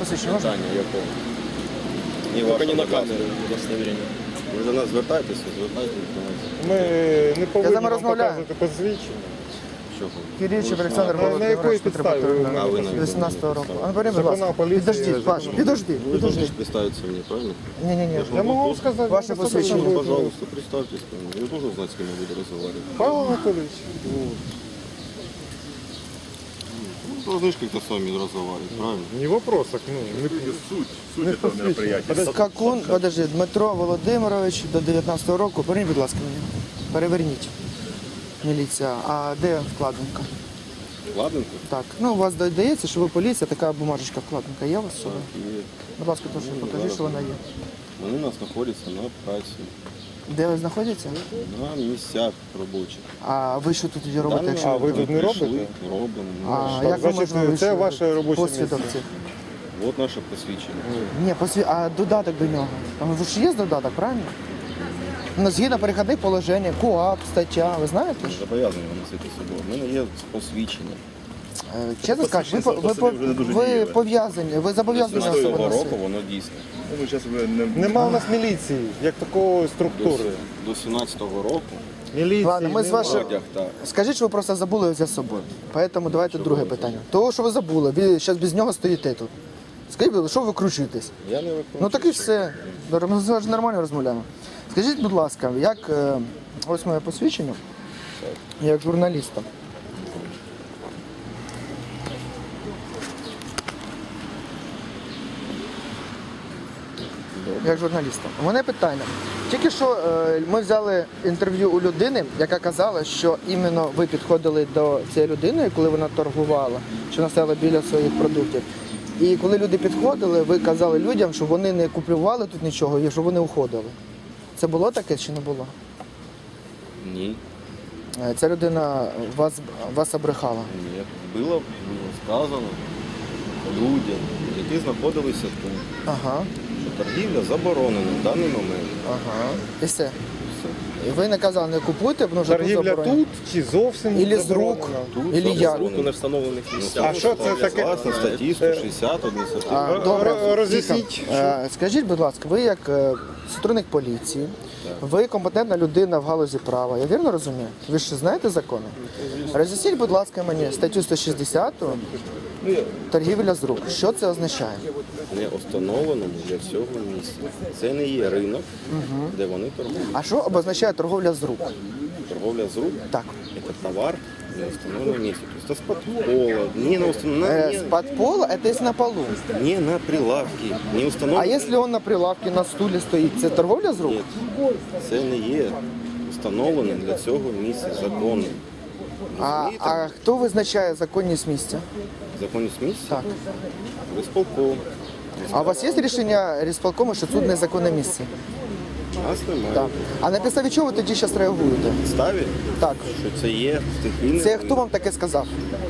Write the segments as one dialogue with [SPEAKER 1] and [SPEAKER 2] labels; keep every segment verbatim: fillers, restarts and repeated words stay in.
[SPEAKER 1] посвідчення можна?
[SPEAKER 2] Питання якого? Ні,
[SPEAKER 3] Тільки
[SPEAKER 2] вашого,
[SPEAKER 3] не на
[SPEAKER 2] будь ласка.
[SPEAKER 3] камеру удостоверення.
[SPEAKER 2] Ви до нас звертаєтеся, звертайтеся до нас.
[SPEAKER 4] Ми не повинні
[SPEAKER 1] вами
[SPEAKER 4] вам
[SPEAKER 1] розмовляю.
[SPEAKER 4] показувати посвідчення.
[SPEAKER 2] Що ви?
[SPEAKER 1] Киричев
[SPEAKER 2] Ви ж
[SPEAKER 1] Олександр
[SPEAKER 4] на- на якої
[SPEAKER 1] Володимирович,
[SPEAKER 4] підставі ви
[SPEAKER 1] Петропавловна,
[SPEAKER 2] А ви на якій
[SPEAKER 1] вісімнадцятого року.
[SPEAKER 2] підставі?
[SPEAKER 1] А ну, бери, будь
[SPEAKER 4] Законна
[SPEAKER 1] ласка.
[SPEAKER 4] поліція,
[SPEAKER 1] Підожди, Паш,
[SPEAKER 4] законна.
[SPEAKER 1] підожди,
[SPEAKER 2] Ви
[SPEAKER 1] підожди.
[SPEAKER 2] можете представитися мені, правильно?
[SPEAKER 1] Ні-ні-ні.
[SPEAKER 4] Я могу вам сказать.
[SPEAKER 1] Ваше
[SPEAKER 4] ну,
[SPEAKER 1] посвящение.
[SPEAKER 4] будет.
[SPEAKER 2] Пожалуйста, представьтесь ко мне. Я должен знать, с кем я буду разговаривать.
[SPEAKER 4] Павел Анатольевич.
[SPEAKER 2] Ну, должны же как-то с вами разговаривать, правильно?
[SPEAKER 4] Не вопрос, так, ну, не,
[SPEAKER 5] Суть, суть
[SPEAKER 4] не
[SPEAKER 5] этого мероприятия.
[SPEAKER 1] Скакун, подожди, Дмитро Володимирович до дев'ятнадцятого року. Поверніть, будь ласка, мені. Переверніть. Міліція. А де вкладинка?
[SPEAKER 2] Ладненько?
[SPEAKER 1] Так, ну у вас додається, що ви поліція, така бумажечка вкладинка є у вас з
[SPEAKER 2] Так,
[SPEAKER 1] собою?
[SPEAKER 2] є.
[SPEAKER 1] Будь ласка, прошу, покажіть, що вона є.
[SPEAKER 2] Вони у нас знаходяться на праці,
[SPEAKER 1] Де ви знаходитеся?
[SPEAKER 2] на місцях робочих.
[SPEAKER 1] А ви що тут робите,
[SPEAKER 2] Дані
[SPEAKER 1] якщо
[SPEAKER 4] А, ви тут не
[SPEAKER 2] прийшли,
[SPEAKER 4] робите?
[SPEAKER 2] Робимо.
[SPEAKER 1] А,
[SPEAKER 4] Так,
[SPEAKER 1] як ви
[SPEAKER 4] значить,
[SPEAKER 1] можна
[SPEAKER 4] це
[SPEAKER 1] вийшли?
[SPEAKER 4] ваше робоче
[SPEAKER 1] Посвідок
[SPEAKER 4] місце.
[SPEAKER 1] цих?
[SPEAKER 2] От наше посвідчення.
[SPEAKER 1] Ні, посві... а додаток до нього. Там ви ж є додаток, правильно? Ну, згідно перехідних положень, КУАП, стаття, ви знаєте ж?
[SPEAKER 2] Зобов'язані вам носити з собою. У мене є посвідчення.
[SPEAKER 1] Е, Чесно скажу, ви, по- ви, по-
[SPEAKER 5] вже не дуже
[SPEAKER 1] ви
[SPEAKER 5] дієве.
[SPEAKER 1] пов'язані, ви зобов'язані
[SPEAKER 2] З
[SPEAKER 1] особи
[SPEAKER 2] цього року
[SPEAKER 1] носити.
[SPEAKER 2] воно дійсне.
[SPEAKER 5] Ну, ви зараз ви не...
[SPEAKER 4] Нема у нас міліції, як такої
[SPEAKER 2] До,
[SPEAKER 4] структури.
[SPEAKER 2] до сімнадцятого року
[SPEAKER 4] Міліції
[SPEAKER 1] Ладно, ми з
[SPEAKER 4] нема.
[SPEAKER 1] вашим-
[SPEAKER 2] одяг так.
[SPEAKER 1] Скажіть, що ви просто забули взяти з собою. Поэтому давайте друге питання. Того, що ви забули, ви зараз без нього стоїте тут. Скажіть, будь ласка, що ви викручуєтесь?
[SPEAKER 2] Я не виконую.
[SPEAKER 1] Ну так і все. Добре, Ми зараз нормально розмовляємо. Скажіть, будь ласка, як е, ось моє посвідчення, як журналіста. Як журналіста. У мене питання. Тільки що е, ми взяли інтерв'ю у людини, яка казала, що іменно ви підходили до цієї людини, коли вона торгувала, що вона стояла біля своїх продуктів. І коли люди підходили, ви казали людям, що вони не купували тут нічого і що вони уходили. Це було таке чи не було?
[SPEAKER 2] Ні.
[SPEAKER 1] Е, Ця людина вас, вас обрехала.
[SPEAKER 2] Ні. Було, було сказано людям, які знаходилися тут,
[SPEAKER 1] Ага,
[SPEAKER 2] що торгівля заборонена в даний момент.
[SPEAKER 1] ага. І все.
[SPEAKER 2] Все.
[SPEAKER 1] І ви не казали, не купуйте, тому що тут
[SPEAKER 4] Торгівля
[SPEAKER 1] заборонено.
[SPEAKER 4] тут чи зовсім
[SPEAKER 1] Ілі з рук,
[SPEAKER 4] заборонена?
[SPEAKER 2] Тут
[SPEAKER 1] ілі як.
[SPEAKER 2] заборонено.
[SPEAKER 3] На встановлених місцях.
[SPEAKER 4] А що це таке?
[SPEAKER 2] Власне, статті сто шістдесят адміністративного.
[SPEAKER 1] А, добре,
[SPEAKER 4] Р- роз'ясніть,
[SPEAKER 1] тихо. Е, Скажіть, будь ласка, ви як е, сотрудник поліції, ви компетентна людина в галузі права, я вірно розумію? Ви ж знаєте закони? Роз'ясніть, будь ласка, мені статтю сто шістдесят торгівля з рук. Що це означає?
[SPEAKER 2] Не встановленому для цього місця. Це не є ринок, де вони торгують.
[SPEAKER 1] А що обозначає торговля з рук?
[SPEAKER 2] Торговля з рук
[SPEAKER 1] Так.
[SPEAKER 2] це товар на установленном месте. То есть с-под пола, не на установленном,
[SPEAKER 1] Э,
[SPEAKER 2] не,
[SPEAKER 1] С-под пола это если на полу.
[SPEAKER 2] не на прилавке, не установлено.
[SPEAKER 1] А если он на прилавке на стулі стоїть, це торговля з рук?
[SPEAKER 2] Ні, це не є встановленим для цього місця законом.
[SPEAKER 1] А,
[SPEAKER 2] Розумієте?
[SPEAKER 1] а хто визначає законність місця?
[SPEAKER 2] Законність місця?
[SPEAKER 1] Так.
[SPEAKER 2] Висполком.
[SPEAKER 1] А у вас є рішення рісполкому, що тут незаконне місце?
[SPEAKER 2] Нас немає.
[SPEAKER 1] Так. А на підставі чого ви тоді зараз реагуєте?
[SPEAKER 2] Підставі,
[SPEAKER 1] Так.
[SPEAKER 2] що це є стихійне.
[SPEAKER 1] Це хто вам таке сказав?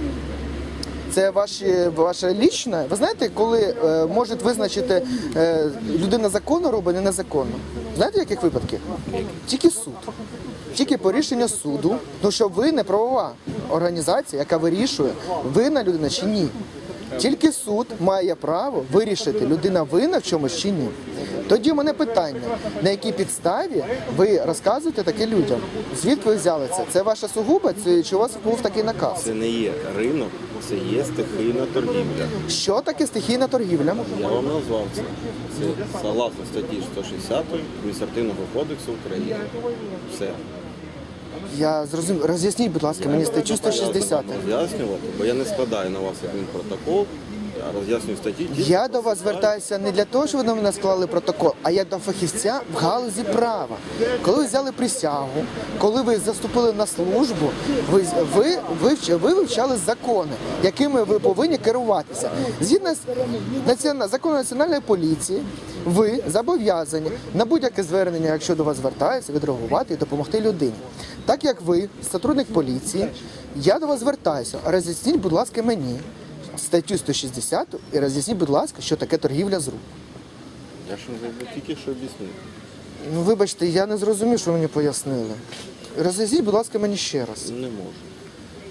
[SPEAKER 1] Це ваші, ваше лічне? Ви знаєте, коли е, можуть визначити е, людина законно робить, не незаконно? Знаєте, в яких випадків? Тільки суд. Тільки по рішенню суду, тому що ви не правова організація, яка вирішує, винна людина чи ні. Тільки суд має право вирішити, людина винна в чомусь чи ні. Тоді в мене питання, на якій підставі ви розказуєте таке людям? Звідки ви взяли це? Це ваша сугуба, це, чи у вас був такий наказ?
[SPEAKER 2] Це не є ринок, це є стихійна торгівля.
[SPEAKER 1] Що таке стихійна торгівля?
[SPEAKER 2] Я вам назвав це. Це согласно статті сто шістдесят Адміністративного кодексу України. Все.
[SPEAKER 1] Я зрозумів. Роз'ясніть, будь ласка, мені статтю сто шістдесят.
[SPEAKER 2] Роз'яснювати, бо я не складаю на вас адмінпротокол, я роз'яснюю статті. тільки
[SPEAKER 1] Я до вас звертаюся не для того, щоб ви на мене склали протокол, а я до фахівця в галузі права. Коли ви взяли присягу, коли ви заступили на службу, ви, ви, ви, ви вивчали закони, якими ви повинні керуватися. Згідно з національним законом національної поліції, ви зобов'язані на будь-яке звернення, якщо до вас звертаються, відреагувати і допомогти людині. Так як ви, сотрудник поліції, я до вас звертаюся. Роз'ясніть, будь ласка, мені статтю сто шістдесят і роз'ясніть, будь ласка, що таке торгівля з рук.
[SPEAKER 2] Я ж вам тільки що об'яснив.
[SPEAKER 1] Ну, вибачте, я не зрозумів, що ви мені пояснили. Роз'ясніть, будь ласка, мені ще раз.
[SPEAKER 2] Не можу.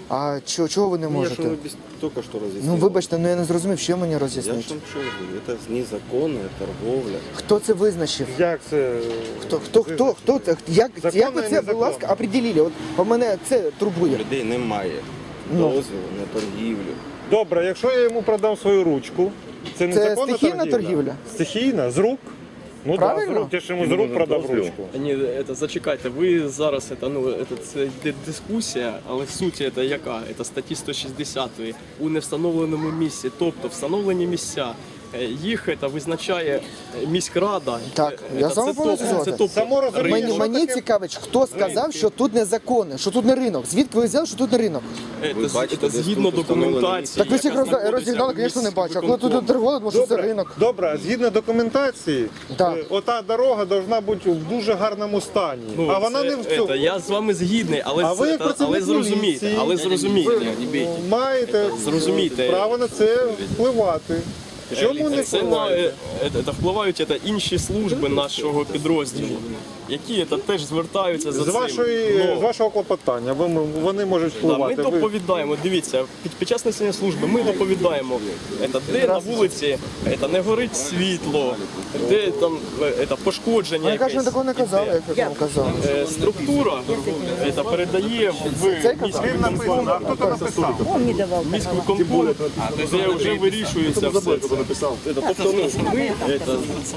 [SPEAKER 1] А чого, чого ви не
[SPEAKER 2] Я же
[SPEAKER 1] можете?
[SPEAKER 2] вам объяс- только что разъяснил.
[SPEAKER 1] Ну вибачте, ну я не зрозумів, що мені
[SPEAKER 2] Я
[SPEAKER 1] роз'яснити.
[SPEAKER 2] же вам что говорю, это незаконная торговля.
[SPEAKER 1] Хто це визначив?
[SPEAKER 4] Як це?
[SPEAKER 1] Хто, хто, хто, хто, це? як,
[SPEAKER 4] Законно
[SPEAKER 1] як ви
[SPEAKER 4] і
[SPEAKER 1] це, будь
[SPEAKER 4] незаконно.
[SPEAKER 1] ласка, определили? От у мене це турбує.
[SPEAKER 2] Людей немає
[SPEAKER 1] Ну.
[SPEAKER 2] дозволу на торгівлю.
[SPEAKER 4] Добре, якщо я йому продам свою ручку, це незаконна
[SPEAKER 1] стихійна
[SPEAKER 4] торгівля?
[SPEAKER 1] торгівля?
[SPEAKER 4] Стихійна? З рук? Ну
[SPEAKER 1] Правильно?
[SPEAKER 4] так, з рук. Я ж йому з рук продав ручку.
[SPEAKER 3] Ні, це зачекайте. Ви зараз це, ну, це, це йде дискусія, але в суті це яка? Це статті сто шістдесят у невстановленому місці, тобто встановлені місця. е, Їх це визначає е, міськрада.
[SPEAKER 1] Так,
[SPEAKER 3] Е,
[SPEAKER 1] я
[SPEAKER 3] це
[SPEAKER 1] з вами
[SPEAKER 3] тобто-
[SPEAKER 1] повністю
[SPEAKER 3] це
[SPEAKER 1] згоден.
[SPEAKER 3] тобто
[SPEAKER 4] Само розуміння,
[SPEAKER 1] Мені,
[SPEAKER 4] що
[SPEAKER 1] мені
[SPEAKER 4] таке?
[SPEAKER 1] цікавить, хто сказав, що тут незаконне, що тут не ринок. Звідки ви взяли, що тут не ринок?
[SPEAKER 3] Е,
[SPEAKER 2] Ви
[SPEAKER 3] це-
[SPEAKER 2] бачите,
[SPEAKER 3] це
[SPEAKER 2] десь
[SPEAKER 3] згідно
[SPEAKER 2] тут встановлені
[SPEAKER 3] документації.
[SPEAKER 2] місця.
[SPEAKER 1] Так ви всіх
[SPEAKER 3] яка
[SPEAKER 1] роз-
[SPEAKER 3] знаходиться
[SPEAKER 1] розігнали,
[SPEAKER 3] в
[SPEAKER 1] звісно, не
[SPEAKER 3] місці
[SPEAKER 1] бачу. А коли тут
[SPEAKER 3] виконкому.
[SPEAKER 1] торгували, тому що це
[SPEAKER 4] Добре,
[SPEAKER 1] ринок.
[SPEAKER 4] добре, згідно документації,
[SPEAKER 1] Так.
[SPEAKER 4] е, ота дорога повинна бути в дуже гарному стані.
[SPEAKER 3] Ну,
[SPEAKER 4] а вона
[SPEAKER 3] це-
[SPEAKER 4] не в цьому.
[SPEAKER 3] це, я з вами згідний, але,
[SPEAKER 4] А ви
[SPEAKER 3] це-
[SPEAKER 4] як
[SPEAKER 3] та- але
[SPEAKER 4] працівник
[SPEAKER 3] зрозумійте,
[SPEAKER 4] міліції,
[SPEAKER 3] але зрозумійте.
[SPEAKER 4] маєте
[SPEAKER 3] Зрозумійте.
[SPEAKER 4] право на це впливати. Чому не
[SPEAKER 3] Це на
[SPEAKER 4] впливаєте?
[SPEAKER 3] е, е, та впливають це інші служби нашого підрозділу, які це теж звертаються за
[SPEAKER 4] З
[SPEAKER 3] цим.
[SPEAKER 4] вашої,
[SPEAKER 3] Ну,
[SPEAKER 4] з вашого клопотання ви- вони можуть
[SPEAKER 3] да, ми
[SPEAKER 4] впливати. Ви-
[SPEAKER 3] доповідаємо, дивіться, під, під час несення служби ми доповідаємо, це, де на вулиці це, не горить світло, де там е, це, пошкодження.
[SPEAKER 1] Я кажу,
[SPEAKER 3] якесь
[SPEAKER 1] такого не казали,
[SPEAKER 3] іде.
[SPEAKER 1] як я вам казав.
[SPEAKER 3] Е, Структура це, передає в
[SPEAKER 1] Це
[SPEAKER 3] міський
[SPEAKER 4] Він написано, а хто це написав?
[SPEAKER 6] Он не давал.
[SPEAKER 3] міський конкурс, де вже вирішується все це.
[SPEAKER 5] написал.
[SPEAKER 3] Це, Тобто ну, ми це,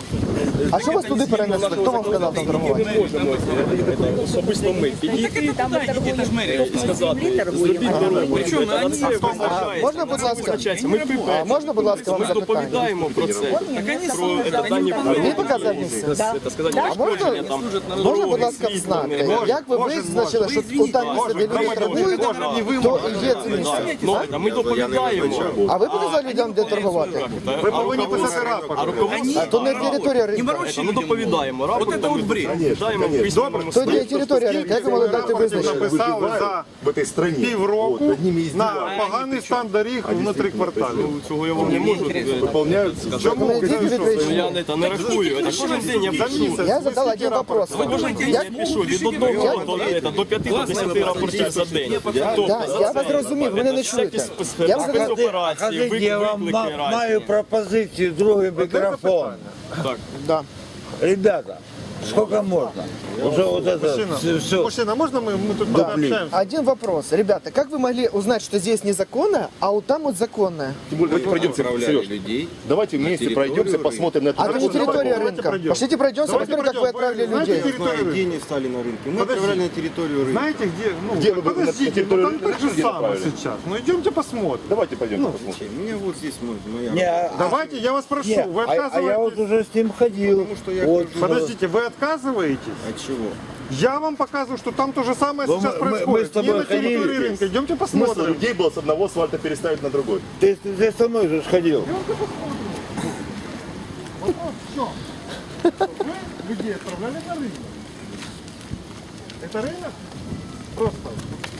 [SPEAKER 1] А що вас туди перенесли? Хто вам сказав там торгувати?
[SPEAKER 3] не можемо е, особисто ми підійти
[SPEAKER 6] Там мы торгуем.
[SPEAKER 3] і сказати,
[SPEAKER 6] Земли торгуем.
[SPEAKER 3] зробіть дорогу. Це
[SPEAKER 1] А
[SPEAKER 3] визначається.
[SPEAKER 1] можна, будь ласка,
[SPEAKER 3] Визначається. Ми
[SPEAKER 1] а можна, будь ласка, вам
[SPEAKER 3] Ми
[SPEAKER 1] запитання?
[SPEAKER 3] доповідаємо про це. Про це дані
[SPEAKER 1] Мені показав місце.
[SPEAKER 3] Це сказати,
[SPEAKER 1] А можна,
[SPEAKER 3] пошкодження там.
[SPEAKER 1] можна, будь ласка, знати, як ви визначили, що у там місце, де люди торгують, то є це місце?
[SPEAKER 3] Ну, а ми доповідаємо.
[SPEAKER 1] А ви показали людям, де торгувати?
[SPEAKER 4] Ви повинні писати рапорт.
[SPEAKER 3] А руководство
[SPEAKER 1] А то не територія ринку.
[SPEAKER 3] Це ми доповідаємо. Рапортом ми доповідаємо в письмовому
[SPEAKER 1] То не територія ринку. Як ви могли дати визначення?
[SPEAKER 4] Написали за
[SPEAKER 5] В этой стране.
[SPEAKER 4] півроку
[SPEAKER 5] Вот, над ними
[SPEAKER 4] на
[SPEAKER 5] издеваются.
[SPEAKER 4] поганий стан доріг внутрі кварталів.
[SPEAKER 3] Цього я вам не можу.
[SPEAKER 5] Выполняют.
[SPEAKER 4] Чому?
[SPEAKER 1] Ну, йдіть відповідь.
[SPEAKER 3] Я не, та не рахую. Це кожен день я пишу.
[SPEAKER 1] Я задав один вопрос.
[SPEAKER 3] Кожен день
[SPEAKER 1] Як
[SPEAKER 3] я пишу від одного до, до, до п'яти до десяти рапортів за день. Тобто,
[SPEAKER 1] Да,
[SPEAKER 3] за
[SPEAKER 1] я
[SPEAKER 3] це-
[SPEAKER 1] вас зрозумів, ви мене не чуєте.
[SPEAKER 3] всякі
[SPEAKER 1] Я вас
[SPEAKER 3] спецоперації,
[SPEAKER 7] Скажіть, я вам
[SPEAKER 3] виклики
[SPEAKER 7] ма- маю
[SPEAKER 3] різні.
[SPEAKER 7] пропозицію, другий мікрофон.
[SPEAKER 3] Так.
[SPEAKER 1] Да.
[SPEAKER 7] Ребята, сколько можно? Уже вот это все, все.
[SPEAKER 4] Мужчина, можна ми, ми тут пообщаємося?
[SPEAKER 1] Один вопрос. Ребята, как вы могли узнать, что здесь незаконно, а вот там вот законное?
[SPEAKER 5] Тем более, давайте пройдемся,
[SPEAKER 2] Отправляли
[SPEAKER 5] Сереж.
[SPEAKER 2] людей.
[SPEAKER 5] Давайте вместе
[SPEAKER 2] территорию
[SPEAKER 5] пройдемся,
[SPEAKER 2] рынка.
[SPEAKER 5] посмотрим на это.
[SPEAKER 1] А это не территория
[SPEAKER 4] давайте
[SPEAKER 1] рынка.
[SPEAKER 4] пройдем.
[SPEAKER 1] Пошлите пройдемся,
[SPEAKER 4] Давайте
[SPEAKER 1] посмотрим, как вы
[SPEAKER 4] пройдем.
[SPEAKER 1] отправили
[SPEAKER 4] Знаете,
[SPEAKER 1] людей.
[SPEAKER 2] Не знаю, где они стали на рынке. Мы отправляли на территорию рынка.
[SPEAKER 4] Знаете, где? Ну,
[SPEAKER 5] Где вы на
[SPEAKER 4] подождите,
[SPEAKER 5] территорию
[SPEAKER 4] ну там
[SPEAKER 5] рынка
[SPEAKER 4] так же
[SPEAKER 5] где
[SPEAKER 4] самое
[SPEAKER 5] направили?
[SPEAKER 4] сейчас. Ну идемте посмотрим.
[SPEAKER 5] Давайте пойдем посмотрим.
[SPEAKER 2] У меня вот здесь может, моя.
[SPEAKER 7] Не, а-
[SPEAKER 4] Давайте, я вас прошу,
[SPEAKER 7] не,
[SPEAKER 4] вы
[SPEAKER 7] а, а я
[SPEAKER 4] отказываетесь?
[SPEAKER 7] вот уже с ним ходил.
[SPEAKER 2] Потому что я
[SPEAKER 7] Вот,
[SPEAKER 2] хожу.
[SPEAKER 4] Подождите, вы отказываетесь?
[SPEAKER 2] От чего?
[SPEAKER 4] Я вам показываю, что там то же самое
[SPEAKER 7] Ну,
[SPEAKER 4] сейчас
[SPEAKER 7] мы- мы-
[SPEAKER 4] происходит.
[SPEAKER 7] мы с тобой
[SPEAKER 4] Не на территории
[SPEAKER 7] ходили.
[SPEAKER 4] рынка. Идемте
[SPEAKER 5] Смысл
[SPEAKER 4] посмотрим.
[SPEAKER 5] людей было с одного асфальта переставить на другой.
[SPEAKER 7] ты, ты, ты со мной же сходил.
[SPEAKER 4] Вы людей отправляли на рынок? Это рынок? Просто.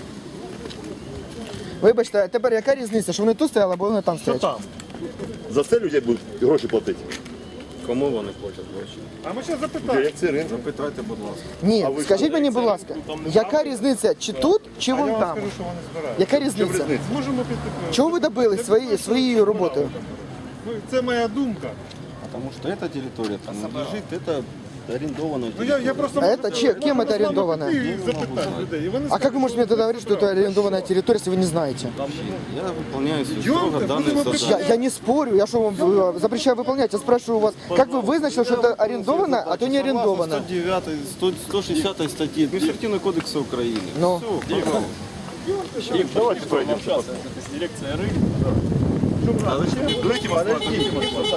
[SPEAKER 1] Вибачте, а тепер яка різниця, що вони тут стояли, або вони там
[SPEAKER 4] Что
[SPEAKER 1] стоять?
[SPEAKER 4] там?
[SPEAKER 5] За це людей будуть гроші платити.
[SPEAKER 2] Кому вони платять гроші?
[SPEAKER 4] А мы сейчас запитаем.
[SPEAKER 5] Дирекції ринку.
[SPEAKER 2] Запитайте, будь ласка.
[SPEAKER 1] Ні, скажіть мені, будь ласка, яка різниця, чи тут, чи
[SPEAKER 4] А я
[SPEAKER 1] вон
[SPEAKER 4] вам
[SPEAKER 1] там?
[SPEAKER 4] скажу, що вони збирають.
[SPEAKER 1] Яка різниця?
[SPEAKER 4] Можемо піти.
[SPEAKER 1] Чого ви добились свої, своєю роботою?
[SPEAKER 4] Ну, це моя думка.
[SPEAKER 2] Потому что эта территория принадлежит, это арендованная
[SPEAKER 4] Ну, я,
[SPEAKER 2] территория.
[SPEAKER 4] я просто
[SPEAKER 1] А
[SPEAKER 4] можу
[SPEAKER 1] это
[SPEAKER 4] сказати,
[SPEAKER 1] че-
[SPEAKER 4] ми
[SPEAKER 1] кем
[SPEAKER 4] можемо
[SPEAKER 1] это
[SPEAKER 4] з вами
[SPEAKER 1] арендовано?
[SPEAKER 4] піти і запитати людей. І вони
[SPEAKER 1] А как вы можете мне тогда говорить, что это арендованная территория, если вы не знаете?
[SPEAKER 2] Я выполняю
[SPEAKER 4] Идёмте,
[SPEAKER 2] строго данные
[SPEAKER 4] будем
[SPEAKER 2] задания.
[SPEAKER 1] Я, я не спорю, я что вам э, запрещаю выполнять, я спрашиваю у вас, как вы вызначили, что это арендовано, а то не арендовано?
[SPEAKER 2] сто девятой, сто- сто шестидесятой статьи Административного кодекса Украины.
[SPEAKER 1] Ну.
[SPEAKER 2] Все, пожалуйста.
[SPEAKER 5] Давайте пройдем.
[SPEAKER 3] Дирекція ринку.
[SPEAKER 5] Подождите, подождите.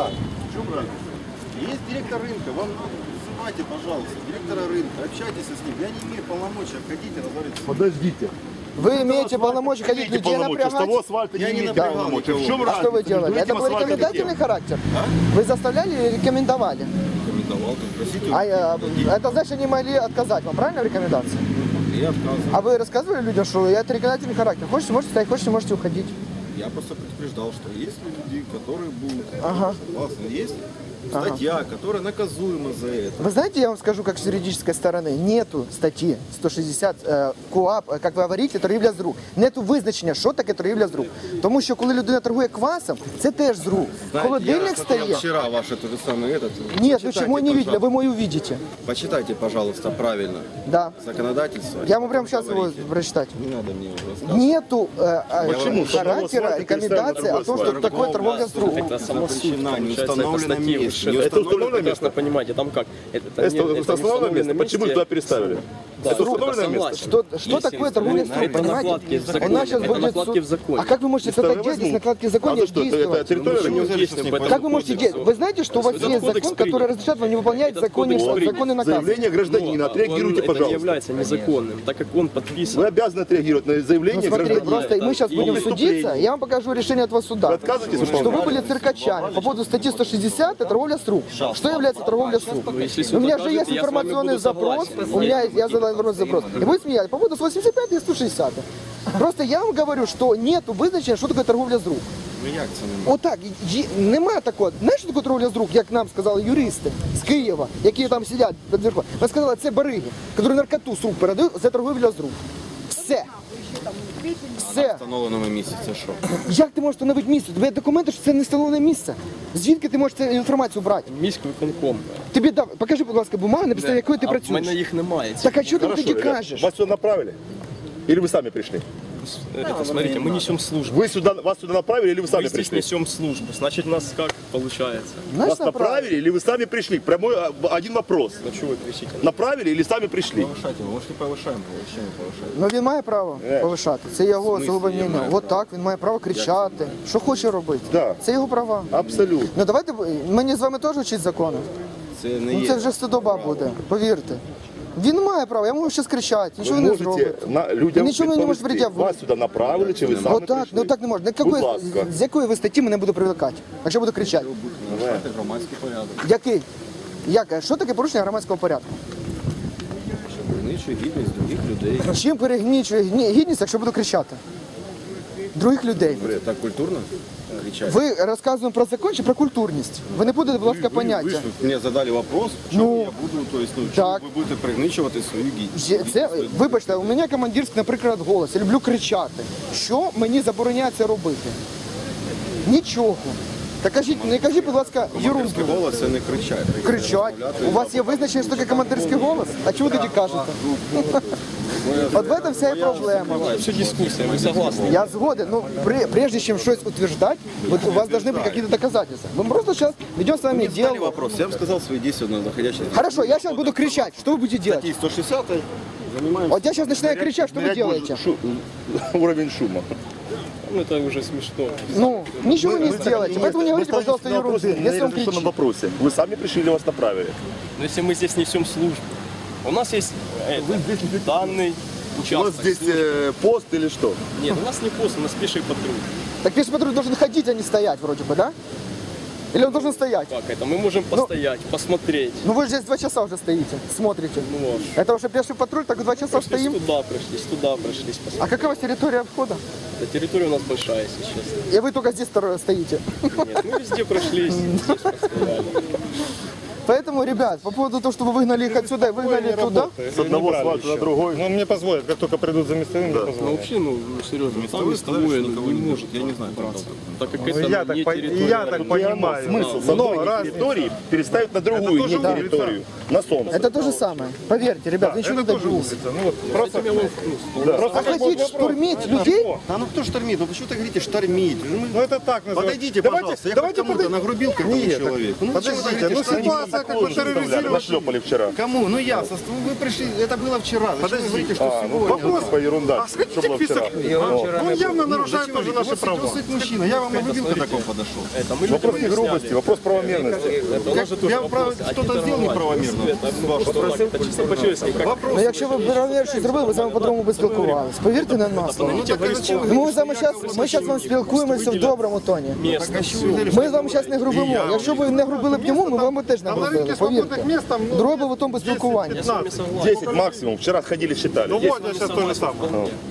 [SPEAKER 2] Есть директор рынка, вам вызывайте, пожалуйста, директора рынка, общайтесь с ним. Я не имею полномочий обходить и разговаривать с ним.
[SPEAKER 5] Подождите.
[SPEAKER 1] Вы имеете полномочия ходить
[SPEAKER 5] Имеете
[SPEAKER 1] людей
[SPEAKER 5] полномочия, с того
[SPEAKER 1] напрягать?
[SPEAKER 5] асфальта
[SPEAKER 2] Я
[SPEAKER 5] не
[SPEAKER 2] не
[SPEAKER 5] имеете
[SPEAKER 2] напрягал
[SPEAKER 5] полномочий. В
[SPEAKER 2] никого.
[SPEAKER 5] чем
[SPEAKER 1] А
[SPEAKER 5] разница?
[SPEAKER 1] что вы делали?
[SPEAKER 5] между
[SPEAKER 1] Это
[SPEAKER 5] этим
[SPEAKER 1] был
[SPEAKER 5] асфальтом и
[SPEAKER 1] рекомендательный
[SPEAKER 5] тем?
[SPEAKER 1] характер? Вы заставляли или рекомендовали?
[SPEAKER 2] Рекомендовал, просите.
[SPEAKER 1] А э, это значит, они могли отказать вам, правильно, в рекомендации?
[SPEAKER 2] Я отказывал.
[SPEAKER 1] А вы рассказывали людям, что это рекомендательный характер? Хочете, можете стоять, хочете, можете уходить.
[SPEAKER 2] Я просто предупреждал, что есть люди, которые будут
[SPEAKER 1] Ага.
[SPEAKER 2] согласны. Есть Статья, которая наказуема за это.
[SPEAKER 1] Вы знаете, я вам скажу, как с юридической стороны, нету статті сто шістдесят е, КУАП, е, як ви говорите, торгівля з рук. Нету визначення, що таке торгівля з рук. Тому що коли людина торгує квасом, це теж з рук.
[SPEAKER 2] Знаете,
[SPEAKER 1] Холодильник
[SPEAKER 2] я смотрел
[SPEAKER 1] стає.
[SPEAKER 2] вчера ваше то же самое этот.
[SPEAKER 1] Нет, ну
[SPEAKER 2] Почитайте,
[SPEAKER 1] чему не видели,
[SPEAKER 2] пожалуйста.
[SPEAKER 1] вы мой увидите.
[SPEAKER 2] Почитайте, пожалуйста, правильно.
[SPEAKER 1] Да.
[SPEAKER 2] Законодательство.
[SPEAKER 1] Я могу прямо сейчас его
[SPEAKER 2] Говорите.
[SPEAKER 1] прочитать.
[SPEAKER 2] Не надо мне его рассказывать.
[SPEAKER 1] Нету э, э,
[SPEAKER 5] Почему?
[SPEAKER 1] характера,
[SPEAKER 5] Что
[SPEAKER 1] рекомендации о том, что такое торговля с рук.
[SPEAKER 3] Это само суть,
[SPEAKER 2] запрещена, не
[SPEAKER 3] получается,
[SPEAKER 2] установлено
[SPEAKER 3] это статьи
[SPEAKER 2] место.
[SPEAKER 3] выше.
[SPEAKER 2] Не
[SPEAKER 3] Это
[SPEAKER 5] установлено
[SPEAKER 3] вы прекрасно
[SPEAKER 5] место?
[SPEAKER 3] понимаете, там как? Это, это,
[SPEAKER 5] Это,
[SPEAKER 3] не,
[SPEAKER 5] это
[SPEAKER 3] это не
[SPEAKER 5] установленное место. Почему
[SPEAKER 3] месте.
[SPEAKER 5] туда переставили?
[SPEAKER 3] Да,
[SPEAKER 5] Это
[SPEAKER 3] это
[SPEAKER 5] установленное место?
[SPEAKER 3] согласен.
[SPEAKER 1] Что, что
[SPEAKER 3] Есть
[SPEAKER 1] такое торговля с рук,
[SPEAKER 3] инструменты, это накладки в
[SPEAKER 1] понимаете?
[SPEAKER 3] законе,
[SPEAKER 1] У нас сейчас
[SPEAKER 3] это
[SPEAKER 1] будет
[SPEAKER 3] накладки
[SPEAKER 1] суд.
[SPEAKER 3] в законе.
[SPEAKER 1] А как вы можете тогда
[SPEAKER 5] Второй
[SPEAKER 1] делать, если
[SPEAKER 5] возьму.
[SPEAKER 1] накладки в
[SPEAKER 5] А
[SPEAKER 1] законе
[SPEAKER 5] то что, это, это
[SPEAKER 1] действовать?
[SPEAKER 5] территория?
[SPEAKER 3] Ну,
[SPEAKER 5] рынка?
[SPEAKER 3] действуем по этому
[SPEAKER 1] Как вы можете
[SPEAKER 3] кодексу.
[SPEAKER 1] делать? Вы знаете, что у вас
[SPEAKER 3] Этот
[SPEAKER 1] есть
[SPEAKER 3] кодекс
[SPEAKER 1] закон, который
[SPEAKER 3] принят.
[SPEAKER 1] разрешает вам не выполнять
[SPEAKER 3] Этот
[SPEAKER 1] законы,
[SPEAKER 3] кодекс
[SPEAKER 1] законы наказы?
[SPEAKER 5] Заявление гражданина,
[SPEAKER 3] Но
[SPEAKER 5] отреагируйте,
[SPEAKER 3] он, это не
[SPEAKER 5] пожалуйста.
[SPEAKER 3] является незаконным, так как он подписан.
[SPEAKER 5] Вы обязаны отреагировать на
[SPEAKER 1] Ну,
[SPEAKER 5] заявление
[SPEAKER 1] смотри,
[SPEAKER 5] гражданина.
[SPEAKER 1] просто мы сейчас
[SPEAKER 3] и
[SPEAKER 1] будем
[SPEAKER 5] выступление.
[SPEAKER 1] судиться, я вам покажу решение этого суда.
[SPEAKER 5] Вы отказываетесь
[SPEAKER 1] Что
[SPEAKER 5] выполнять?
[SPEAKER 1] вы были циркачами по поводу статьи сто шестьдесят, это торговля с рук. Что является торговля с рук?
[SPEAKER 3] если
[SPEAKER 1] У
[SPEAKER 3] суд
[SPEAKER 1] меня же
[SPEAKER 3] окажет,
[SPEAKER 1] есть
[SPEAKER 3] я с вами
[SPEAKER 1] информационный
[SPEAKER 3] буду
[SPEAKER 1] запрос,
[SPEAKER 3] согласен.
[SPEAKER 1] у меня есть, я задал информационный запрос. И вы смеялись по поводу восемьдесят пять и сто шестьдесят. Просто я вам говорю, що нету визначення, що таке торговля з рук.
[SPEAKER 2] Ну як це не
[SPEAKER 1] Отак, є- немає такого. Знаєш, що таке торговля з рук, як нам сказали юристи з Києва, які там сидять під верхом? Вони сказали, це бариги, які наркоту з рук передають, це торговля з рук. Все. Все.
[SPEAKER 2] встановленому місці? Це що?
[SPEAKER 1] Як ти можеш встановити місце? Тобі є документи, що це не встановлене місце. Звідки ти можеш цю інформацію брати?
[SPEAKER 3] Міськвиконком.
[SPEAKER 1] Тобі дав, покажи, будь ласка, бумагу, на підставі якої ти
[SPEAKER 3] А в мене
[SPEAKER 1] працюєш.
[SPEAKER 3] їх немає.
[SPEAKER 1] Так а що ти
[SPEAKER 5] Хорошо,
[SPEAKER 1] тоді
[SPEAKER 5] ребят,
[SPEAKER 1] кажеш?
[SPEAKER 5] вас сюда направили? Или вы сами пришли?
[SPEAKER 3] Это, смотрите, мы несем службу.
[SPEAKER 5] Вы сюда, вас сюда направили или вы
[SPEAKER 3] Мы
[SPEAKER 5] сами
[SPEAKER 3] здесь
[SPEAKER 5] пришли?
[SPEAKER 3] несем службу. Значит, нас как получается?
[SPEAKER 1] Знаєш,
[SPEAKER 5] Вас направили или вы сами пришли? Прямой а, один вопрос.
[SPEAKER 3] Ну что вы кричите?
[SPEAKER 5] Направили или сами пришли?
[SPEAKER 2] Повишайте, ми ж не повишаємо, ще не повишаємо.
[SPEAKER 1] Ну він має право повишати. Це його особливе
[SPEAKER 2] я
[SPEAKER 1] мнення.
[SPEAKER 2] маю
[SPEAKER 1] От так, він має право кричати. Що хоче робити.
[SPEAKER 5] Да.
[SPEAKER 1] Це його права.
[SPEAKER 5] Абсолютно.
[SPEAKER 1] Ну давайте мені з вами теж вчить закони.
[SPEAKER 2] Це не
[SPEAKER 1] Ну
[SPEAKER 2] є.
[SPEAKER 1] це вже стидоба буде, повірте. Він має право, я можу щось кричати,
[SPEAKER 5] Ви
[SPEAKER 1] нічого не
[SPEAKER 5] можете
[SPEAKER 1] зробить.
[SPEAKER 5] на людям
[SPEAKER 1] Нічого не може
[SPEAKER 5] відповісти.
[SPEAKER 1] прийти.
[SPEAKER 5] Вас сюди направили, чи ви самі
[SPEAKER 1] Отак,
[SPEAKER 5] прийшли?
[SPEAKER 1] ну так не можна. На
[SPEAKER 5] Будь
[SPEAKER 1] якої-
[SPEAKER 5] ласка.
[SPEAKER 1] з якої ви статті мене буде привлекати, якщо буду кричати?
[SPEAKER 2] Нарушати громадський порядок.
[SPEAKER 1] Який? Як? Що таке порушення громадського порядку?
[SPEAKER 2] Пригничує гідність других людей.
[SPEAKER 1] Чим перегнічує гні- гідність, якщо буду кричати? Других людей.
[SPEAKER 2] Так культурно кричати?
[SPEAKER 1] Ви розказуємо про закон чи про культурність? Ви не будете, будь ласка,
[SPEAKER 2] Ви
[SPEAKER 1] поняття.
[SPEAKER 2] ж мені задали вопрос,
[SPEAKER 1] Ну,
[SPEAKER 2] чому я буду, то есть, ну, чому
[SPEAKER 1] так.
[SPEAKER 2] ви будете пригничувати свою гідність?
[SPEAKER 1] Є- Це, вибачте, у мене командирський, наприклад, голос. Я люблю кричати. Що мені забороняється робити? Нічого. Так кажіть, не кажіть, будь ласка, ерунду.
[SPEAKER 2] Командирський голос це не кричати.
[SPEAKER 1] Кричать. У вас є визначення, що таке командирський голос? А чого ви тоді кажете? От в этом вся і проблема.
[SPEAKER 3] Все дискуссия, вы согласны?
[SPEAKER 1] Я згоден, но при- прежде чем что-то утверждать, вот у вас должны быть какие-то доказательства. Мы просто сейчас ведем с вами
[SPEAKER 2] Задали
[SPEAKER 1] диалог.
[SPEAKER 2] вопрос, я вам сказал свои действия на заходящий.
[SPEAKER 1] Хорошо, я сейчас буду кричать. Что вы будете делать?
[SPEAKER 2] Статьи сто шестьдесят занимаемся.
[SPEAKER 1] Вот я сейчас начинаю кричать, что вы
[SPEAKER 5] Мерять
[SPEAKER 1] делаете?
[SPEAKER 5] шу- уровень шума.
[SPEAKER 3] Ну это уже смешно.
[SPEAKER 1] Ну, ничего не
[SPEAKER 5] Мы так
[SPEAKER 1] сделаете.
[SPEAKER 5] не-
[SPEAKER 1] Поэтому не
[SPEAKER 5] мы
[SPEAKER 1] говорите,
[SPEAKER 5] ставим
[SPEAKER 1] пожалуйста,
[SPEAKER 5] на вопрос-
[SPEAKER 1] ерунды,
[SPEAKER 5] на
[SPEAKER 1] если он
[SPEAKER 5] неразрешенном
[SPEAKER 1] кричит.
[SPEAKER 5] вопросе. Вы сами пришли или вас направили?
[SPEAKER 3] Но если мы здесь несем службу, у нас есть э, данный
[SPEAKER 5] У вас
[SPEAKER 3] участок.
[SPEAKER 5] здесь э, пост или что?
[SPEAKER 3] Нет, у нас не пост, у нас пеший патруль.
[SPEAKER 1] Так пеший патруль должен ходить, а не стоять вроде бы, да? Или он должен стоять?
[SPEAKER 3] Как это? Мы можем постоять, посмотреть.
[SPEAKER 1] Ну вы же здесь два часа уже стоите, смотрите.
[SPEAKER 3] Ну, вот.
[SPEAKER 1] Это уже пеший патруль, так два часа
[SPEAKER 3] Прошлись
[SPEAKER 1] стоим.
[SPEAKER 3] туда, прошлись туда, прошлись.
[SPEAKER 1] А
[SPEAKER 3] посмотреть.
[SPEAKER 1] какая у вас территория входа?
[SPEAKER 3] Да, территория у нас большая, если честно.
[SPEAKER 1] И вы только здесь второе стоите.
[SPEAKER 3] Нет, мы везде прошлись, здесь постояли.
[SPEAKER 1] Поэтому, ребят, по поводу того, что вы выгнали их отсюда и выгнали туда,
[SPEAKER 5] С одного асфальта на другой.
[SPEAKER 4] Ну, мне позволят, как только придут за местовым, мне
[SPEAKER 3] Ну
[SPEAKER 4] позволят.
[SPEAKER 3] вообще, ну, ну серьезно, там листовое
[SPEAKER 2] никого
[SPEAKER 3] не
[SPEAKER 2] не
[SPEAKER 3] может,
[SPEAKER 2] я не знаю, как
[SPEAKER 3] браться.
[SPEAKER 2] это.
[SPEAKER 3] Так как
[SPEAKER 4] Ну,
[SPEAKER 3] это
[SPEAKER 4] я
[SPEAKER 3] не
[SPEAKER 4] так по-
[SPEAKER 3] территория.
[SPEAKER 4] я так понимаю.
[SPEAKER 5] Смысл с
[SPEAKER 4] Но
[SPEAKER 5] одной
[SPEAKER 4] раз-
[SPEAKER 5] территории переставить на другую
[SPEAKER 4] тоже
[SPEAKER 5] не
[SPEAKER 4] улица.
[SPEAKER 5] территорию. На солнце.
[SPEAKER 1] это то же самое. Поверьте, ребят, ничего не
[SPEAKER 4] Это тоже
[SPEAKER 1] добьюсь.
[SPEAKER 4] улица. Ну, вот, просто,
[SPEAKER 3] Этим я вам, ну,
[SPEAKER 4] просто
[SPEAKER 1] А
[SPEAKER 4] как
[SPEAKER 1] хотите
[SPEAKER 4] вот
[SPEAKER 1] штурмить людей?
[SPEAKER 2] А ну кто штормит? Ну почему ты говорите штормить? Ну, мы-
[SPEAKER 4] Ну это так называется.
[SPEAKER 2] Подойдите,
[SPEAKER 4] Давайте-
[SPEAKER 2] пожалуйста, я
[SPEAKER 4] давайте
[SPEAKER 2] хоть кому-то
[SPEAKER 4] подой-
[SPEAKER 2] нагрубил какому
[SPEAKER 4] Нет,
[SPEAKER 2] человеку. Ну,
[SPEAKER 4] подождите,
[SPEAKER 2] почему вы говорите,
[SPEAKER 4] ну
[SPEAKER 2] что они-
[SPEAKER 4] ситуация как бы
[SPEAKER 5] Нашлепали
[SPEAKER 4] терроризировали.
[SPEAKER 5] вчера.
[SPEAKER 2] Кому? Ну я, со- вы пришли, это было вчера. Зачем вы
[SPEAKER 4] Подождите.
[SPEAKER 2] говорите, что
[SPEAKER 5] А, ну
[SPEAKER 2] сегодня?
[SPEAKER 5] вопрос по ерунда.
[SPEAKER 4] А сходите
[SPEAKER 5] Что было
[SPEAKER 4] к
[SPEAKER 5] вчера?
[SPEAKER 4] писаку. Он явно нарушает
[SPEAKER 2] Зачем
[SPEAKER 4] тоже
[SPEAKER 2] вы-
[SPEAKER 4] наши
[SPEAKER 2] вот
[SPEAKER 4] права.
[SPEAKER 2] стоит мужчина, я вам нагрубил, когда к вам подошел.
[SPEAKER 3] это мы
[SPEAKER 5] Вопрос
[SPEAKER 3] людям
[SPEAKER 5] не грубости,
[SPEAKER 3] объясняли.
[SPEAKER 5] вопрос правомерности.
[SPEAKER 3] Это у нас же тоже
[SPEAKER 2] Я
[SPEAKER 3] вопрос.
[SPEAKER 2] прав-
[SPEAKER 3] А
[SPEAKER 2] что-то
[SPEAKER 3] не
[SPEAKER 2] сделал
[SPEAKER 3] торговать.
[SPEAKER 2] неправомерно.
[SPEAKER 3] Это, ну, что так, это чисто по-человечески. Как
[SPEAKER 1] Ну якщо ви б щось зробили, ви з вами по-другому би спілкувалися. Повірте на нас.
[SPEAKER 2] Ну, так, а зачем вы
[SPEAKER 1] Ну, ми з вами зараз, ми зараз вам спілкуємося в доброму тоні.
[SPEAKER 3] место.
[SPEAKER 1] Ми з вами зараз не грубимо. Якщо б ви не грубили б йому, ми вам би теж не
[SPEAKER 4] А на
[SPEAKER 1] грубили,
[SPEAKER 4] рынке
[SPEAKER 1] повірте.
[SPEAKER 4] свободных мест там, ну,
[SPEAKER 1] Друге би в тому би спілкування.
[SPEAKER 4] десять-пятнадцать.
[SPEAKER 5] десять максимум. Вчера ходили, считали.
[SPEAKER 4] Ну
[SPEAKER 5] десять.
[SPEAKER 4] вот, я сейчас то же самое.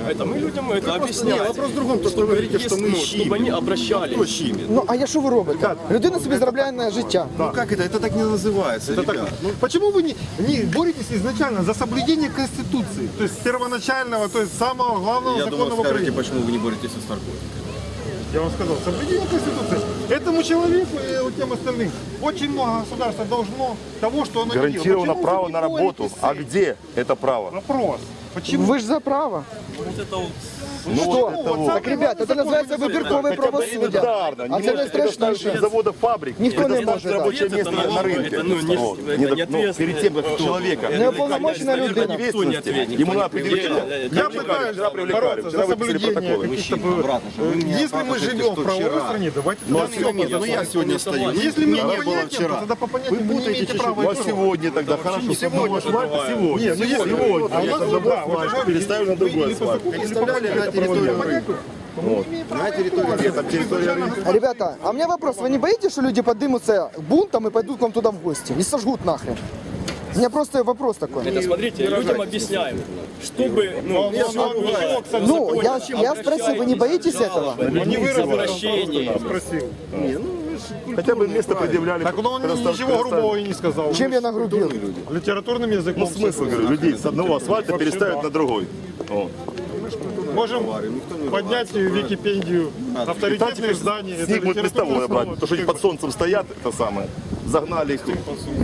[SPEAKER 3] Это мы людям это
[SPEAKER 4] Нет,
[SPEAKER 3] объясняем.
[SPEAKER 4] вопрос в другом, то, что вы говорите, что мы
[SPEAKER 3] Чтобы
[SPEAKER 4] щемим.
[SPEAKER 3] они обращались.
[SPEAKER 4] Кто щемит?
[SPEAKER 1] Ну а я що ви робите? Людина собі заробляє на життя.
[SPEAKER 2] Ну как это? Это так не называется,
[SPEAKER 4] Это так,
[SPEAKER 2] ребят.
[SPEAKER 4] ну, почему вы не, не боретесь изначально за соблюдение Конституции? То есть первоначального, то есть самого главного
[SPEAKER 2] Я
[SPEAKER 4] закона
[SPEAKER 2] думал,
[SPEAKER 4] в
[SPEAKER 2] скажете,
[SPEAKER 4] Украине.
[SPEAKER 2] почему вы не боретесь с наркотиками.
[SPEAKER 4] Я вам сказал, соблюдение Конституции. Этому человеку и вот тем остальным очень много государства должно того, что оно не делает.
[SPEAKER 5] Гарантировано
[SPEAKER 4] Почему
[SPEAKER 5] право
[SPEAKER 4] вы не
[SPEAKER 5] на работу.
[SPEAKER 4] боретесь с
[SPEAKER 5] А
[SPEAKER 4] этим?
[SPEAKER 5] где это право?
[SPEAKER 4] Вопрос. Почему?
[SPEAKER 1] Ви ж за право.
[SPEAKER 5] Ну,
[SPEAKER 1] Що?
[SPEAKER 5] вот это вот.
[SPEAKER 1] Так, ребята, це називається вибіркове
[SPEAKER 5] Хотя бы
[SPEAKER 1] правосуддя.
[SPEAKER 5] элементарно.
[SPEAKER 1] А
[SPEAKER 5] Не
[SPEAKER 1] це
[SPEAKER 5] можете предоставить
[SPEAKER 1] найстрашніше.
[SPEAKER 5] заводов, фабрик.
[SPEAKER 1] Никто не
[SPEAKER 5] предоставить
[SPEAKER 1] может, да.
[SPEAKER 5] рабочее
[SPEAKER 3] Это
[SPEAKER 5] место на
[SPEAKER 3] налоговое,
[SPEAKER 5] рынке.
[SPEAKER 3] это, ну, не-
[SPEAKER 5] Вот.
[SPEAKER 3] это
[SPEAKER 5] Не-
[SPEAKER 3] не
[SPEAKER 5] ну,
[SPEAKER 3] ответственный
[SPEAKER 5] перед тем, как
[SPEAKER 3] кто-
[SPEAKER 5] человека
[SPEAKER 1] Неуполномоченная людина.
[SPEAKER 5] ответственности, ему надо определить.
[SPEAKER 4] Я пытаюсь
[SPEAKER 5] Вчера привлекали,
[SPEAKER 4] бороться
[SPEAKER 5] вчера
[SPEAKER 4] за
[SPEAKER 5] выписали
[SPEAKER 4] соблюдение
[SPEAKER 5] протоколы.
[SPEAKER 4] каких-то...
[SPEAKER 2] Обратно, что вы меня
[SPEAKER 4] Если мы
[SPEAKER 2] оправдываете,
[SPEAKER 4] живем в
[SPEAKER 2] что
[SPEAKER 4] правовой
[SPEAKER 2] вчера.
[SPEAKER 4] стране, давайте...
[SPEAKER 2] Ну, а
[SPEAKER 4] тогда
[SPEAKER 2] сегодня,
[SPEAKER 4] всё
[SPEAKER 2] ну я сегодня стою.
[SPEAKER 4] Если мы
[SPEAKER 2] Меня
[SPEAKER 4] по
[SPEAKER 2] не было
[SPEAKER 4] понятиям,
[SPEAKER 2] вчера.
[SPEAKER 4] то тогда по понятиям вы не имеете права
[SPEAKER 5] Ну, а
[SPEAKER 4] и права.
[SPEAKER 5] сегодня тогда хорошо.
[SPEAKER 2] Сегодня
[SPEAKER 5] Асфальт сегодня.
[SPEAKER 4] Нет, ну если
[SPEAKER 5] Сегодня.
[SPEAKER 4] а у нас
[SPEAKER 5] Завод
[SPEAKER 4] да, вот
[SPEAKER 5] асфальт
[SPEAKER 4] это-
[SPEAKER 5] переставили на другой
[SPEAKER 4] или по
[SPEAKER 5] асфальт.
[SPEAKER 4] закону, или по
[SPEAKER 2] Переставляли
[SPEAKER 4] понятию.
[SPEAKER 2] на территорию
[SPEAKER 4] По понятию, то мы не имеем права
[SPEAKER 2] На территории
[SPEAKER 4] и права.
[SPEAKER 5] Там территория рынка.
[SPEAKER 1] Ребята, а у меня вопрос. Вы не боитесь, что люди подымутся бунтом и пойдут к вам туда в гости? И сожгут нахрен? У меня просто вопрос такой.
[SPEAKER 3] Это смотрите, людям объясняем, чтобы, ну,
[SPEAKER 4] Ну, ну, ну, кстати,
[SPEAKER 1] Ну, я, я спросил, вы не боитесь этого?
[SPEAKER 4] не выразил,
[SPEAKER 3] обращение.
[SPEAKER 4] спросил.
[SPEAKER 5] Хотя бы место предъявляли.
[SPEAKER 4] Так он
[SPEAKER 5] предостав-
[SPEAKER 4] ничего грубого и не сказал.
[SPEAKER 1] Чем я нагрубил?
[SPEAKER 4] Литературным языком.
[SPEAKER 5] Ну, смысл, говорю, людей с одного асфальта переставить на другой. Вот.
[SPEAKER 4] Можем поднять в Википедию авторитетные издания.
[SPEAKER 5] С них будет листовое брать. То, что они под солнцем стоят, это самое. Загнали их.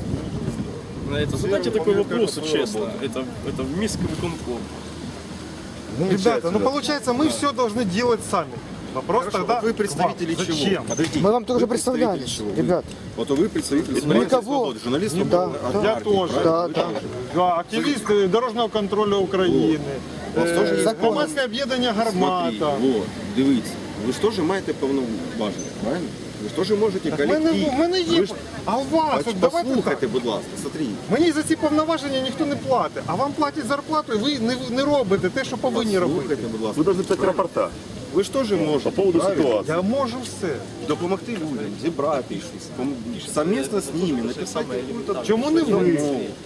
[SPEAKER 3] Это, задайте такой вопрос, честно. Это, это в миске виконком.
[SPEAKER 4] Ребята, ну получается, мы все должны делать сами. Вопрос тогда
[SPEAKER 2] Вы представители
[SPEAKER 4] к вам.
[SPEAKER 2] чего?
[SPEAKER 4] Зачем?
[SPEAKER 2] Подождите.
[SPEAKER 1] Мы вам тоже
[SPEAKER 2] Вы представители
[SPEAKER 1] представлялись,
[SPEAKER 2] чего?
[SPEAKER 1] ребят.
[SPEAKER 2] Вот вы представитель
[SPEAKER 1] Никого.
[SPEAKER 2] свободы, журналист
[SPEAKER 1] Да,
[SPEAKER 2] свободы.
[SPEAKER 1] да.
[SPEAKER 2] от
[SPEAKER 4] Я
[SPEAKER 2] партии,
[SPEAKER 4] тоже.
[SPEAKER 2] правильно?
[SPEAKER 1] Да,
[SPEAKER 2] Вы
[SPEAKER 1] да.
[SPEAKER 2] тоже.
[SPEAKER 4] Да, активисты дорожнього контролю України,
[SPEAKER 2] вас теж є
[SPEAKER 4] е,
[SPEAKER 1] закон.
[SPEAKER 4] громадське об'єднання
[SPEAKER 2] Смотри,
[SPEAKER 4] «Гармата».
[SPEAKER 2] вот, дивіться. Ви ж теж маєте повноваження, правильно? Ви ж теж можете
[SPEAKER 4] Так в мене,
[SPEAKER 2] колектив.
[SPEAKER 4] в мене є.
[SPEAKER 2] Ви ж
[SPEAKER 4] А у вас,
[SPEAKER 2] Пос-
[SPEAKER 4] от давайте так.
[SPEAKER 2] Послухайте, будь ласка, смотри.
[SPEAKER 4] Мені за ці повноваження ніхто не платить, а вам платять зарплату, і ви не, не робите те, що повинні робити.
[SPEAKER 2] Слухайте, будь ласка.
[SPEAKER 5] Вы должны писать рапорта
[SPEAKER 2] Ви ж теж можете
[SPEAKER 5] по поводу
[SPEAKER 2] правильно?
[SPEAKER 5] ситуации.
[SPEAKER 4] Я можу все.
[SPEAKER 2] допомогти людям, зібрати щось, пом- совместно з ними написати якусь
[SPEAKER 4] Чому не ви?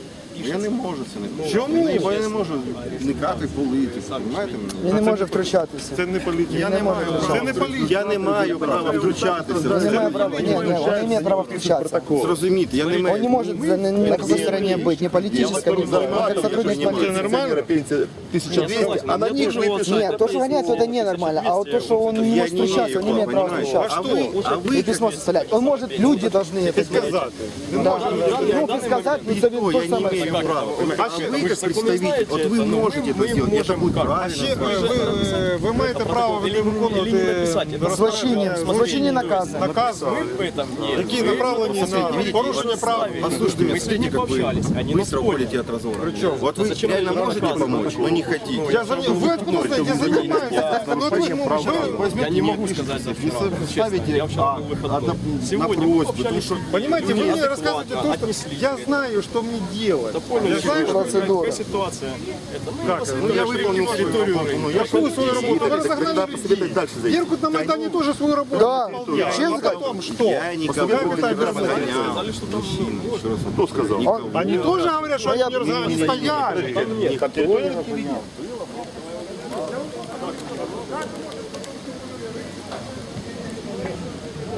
[SPEAKER 2] Я не можу це не можу.
[SPEAKER 4] Чому?
[SPEAKER 2] Бо я не можу вникати в політику, розумієте мене?
[SPEAKER 1] Я не можу втручатися.
[SPEAKER 4] Це не політика.
[SPEAKER 2] Я не маю
[SPEAKER 4] Це
[SPEAKER 2] права.
[SPEAKER 4] не політика.
[SPEAKER 2] Я не маю права втручатися.
[SPEAKER 1] Он не має права. Ні, ні, он не має права включатися.
[SPEAKER 2] Зрозуміти, я не маю.
[SPEAKER 1] Он не может за- на, на какой стороне быть, ни политической, ни как сотрудник полиции.
[SPEAKER 5] Нормально? Пенсия тысяча двести, а на них выписать.
[SPEAKER 1] Нет, то, что гоняется, это ненормально. А вот то, что он не
[SPEAKER 2] Я
[SPEAKER 1] может
[SPEAKER 2] не
[SPEAKER 1] встречаться, он не имеет права
[SPEAKER 2] понимаю.
[SPEAKER 1] встречаться.
[SPEAKER 2] А вы, а
[SPEAKER 1] И
[SPEAKER 2] вы
[SPEAKER 1] письмо составлять. Он может, люди должны это сделать.
[SPEAKER 4] Сказати.
[SPEAKER 1] Да. Ну, предсказать, ну,
[SPEAKER 2] никто,
[SPEAKER 1] то
[SPEAKER 2] я
[SPEAKER 1] же
[SPEAKER 2] не
[SPEAKER 1] самое.
[SPEAKER 2] имею права. А вы как
[SPEAKER 3] законы
[SPEAKER 2] представитель,
[SPEAKER 3] знаете
[SPEAKER 2] вот вы
[SPEAKER 3] это, но
[SPEAKER 2] можете
[SPEAKER 3] мы-
[SPEAKER 2] это
[SPEAKER 3] мы
[SPEAKER 2] сделать, это
[SPEAKER 3] можем
[SPEAKER 2] будет
[SPEAKER 3] как?
[SPEAKER 2] правильно.
[SPEAKER 4] Ще, е, ви, ви маєте право ви
[SPEAKER 3] Или-
[SPEAKER 4] виконувати
[SPEAKER 3] или не написати.
[SPEAKER 1] Злочинні, злочинні накази.
[SPEAKER 4] накази,
[SPEAKER 3] В этом нет.
[SPEAKER 4] які направлені на порушення прав.
[SPEAKER 2] Послушайте,
[SPEAKER 3] Мы с
[SPEAKER 2] смотрите,
[SPEAKER 3] ними
[SPEAKER 2] как вы
[SPEAKER 3] пообщались, они
[SPEAKER 2] быстро
[SPEAKER 3] нас поняли.
[SPEAKER 2] уходите от разговора. Вот вы
[SPEAKER 3] Зачем
[SPEAKER 2] реально
[SPEAKER 3] вы
[SPEAKER 2] можете
[SPEAKER 3] рассказываете?
[SPEAKER 2] помочь, но не хотите.
[SPEAKER 4] Я за... Ви откуда знаєте, я занимаюсь. Ну, от ви, ну, ви
[SPEAKER 3] Я не могу сказать за вчера. Честно, я вчера был выходной. Сегодня мы
[SPEAKER 2] просьбу,
[SPEAKER 3] пообщались.
[SPEAKER 4] Понимаете, вы мне
[SPEAKER 3] Адекватно
[SPEAKER 4] рассказываете то, что
[SPEAKER 3] отнеслись.
[SPEAKER 4] я знаю, что мне делать.
[SPEAKER 3] Поняли,
[SPEAKER 4] Я знаю, что...
[SPEAKER 1] Процедура.
[SPEAKER 3] какая ситуация. Это, ну,
[SPEAKER 4] Как?
[SPEAKER 3] после
[SPEAKER 4] Ну,
[SPEAKER 3] того,
[SPEAKER 2] я
[SPEAKER 3] что
[SPEAKER 2] выполнил
[SPEAKER 3] принимали
[SPEAKER 2] территорию
[SPEAKER 3] работу.
[SPEAKER 2] рынка.
[SPEAKER 3] Ну, я
[SPEAKER 4] Какую свою работу? Вы
[SPEAKER 5] Тогда
[SPEAKER 4] разогнали
[SPEAKER 5] посоветовать
[SPEAKER 4] людей.
[SPEAKER 5] дальше зайти.
[SPEAKER 4] Беркут на Майдане тоже свою работу
[SPEAKER 1] Да.
[SPEAKER 4] выполнял.
[SPEAKER 1] Честно
[SPEAKER 4] А
[SPEAKER 1] сказать,
[SPEAKER 4] потом что?
[SPEAKER 2] Я никого
[SPEAKER 4] Как
[SPEAKER 2] не
[SPEAKER 4] это объяснить?
[SPEAKER 2] разгонял.
[SPEAKER 3] Сказали, что там
[SPEAKER 5] Кто сказал?
[SPEAKER 4] Они тоже говорят, что они не разгоняли, они стояли.